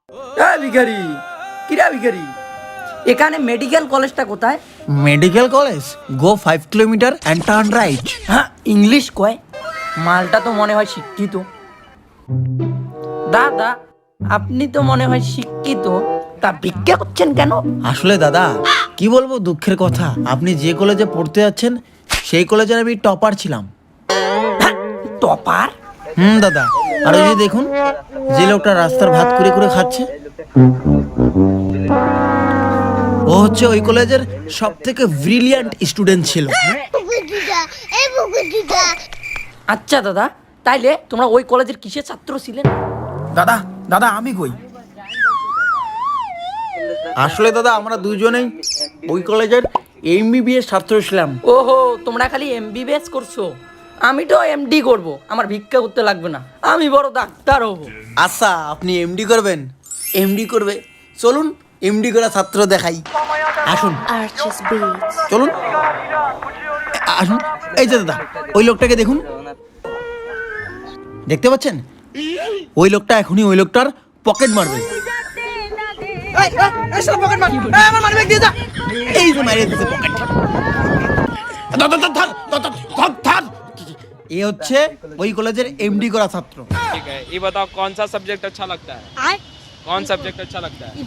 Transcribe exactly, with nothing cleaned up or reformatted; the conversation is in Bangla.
এই ভিখারি, কিরা ভিখারি, এখানে মেডিকেল কলেজটা কোথায়? Medical college, go five kilometre and turn right. হ্যাঁ, ইংলিশ কয়। মালটা তো মনে হয় শিক্ষিত। দাদা, আপনি তো মনে হয় শিক্ষিত, তা ভিক্ষা করছেন কেন? আসলে দাদা কি বলবো, দুঃখের কথা, আপনি যে কলেজে পড়তে যাচ্ছেন সেই কলেজের আমি টপার ছিলাম। টপার? হুম দাদা, আর ওই যে দেখুন যে লোকটা রাস্তার ভাত করে করে খাচ্ছে, ও হচ্ছে ওই কলেজের সব থেকে ব্রিলিয়ান্ট স্টুডেন্ট ছিল। আচ্ছা দাদা, তাইলে তোমরা ওই কলেজের কিসের ছাত্র ছিলেন? দাদা দাদা আমি কই? আসলে দাদা আমরা দুজনেই ওই কলেজের এমবিবিএস ছাত্র ছিলাম। ওহো, তোমরা খালি এমবিবিএস করছো, আমি তো এমডি করব, আমার ভিক্ষা করতে লাগবে না, আমি বড় ডাক্তার হব। আচ্ছা, আপনি এমডি করবেন? এমডি করবে, চলুন এমডি করা ছাত্র দেখাই, আসুন Arches Beats. চলুন আ- আসুন। এই যে দাদা, ওই লোকটাকে দেখুন, দেখতে পাচ্ছেন? ওই লোকটা এখনই ওই লোকটার পকেট মারবে। এই যে মারিয়ে দিতে পকেট। এ হচ্ছে ওই কলেজের এমডি করা ছাত্র। ठीक है, ये बताओ कौन सा सब्जेक्ट अच्छा लगता है? कौन सब्जेक्ट अच्छा लगता है?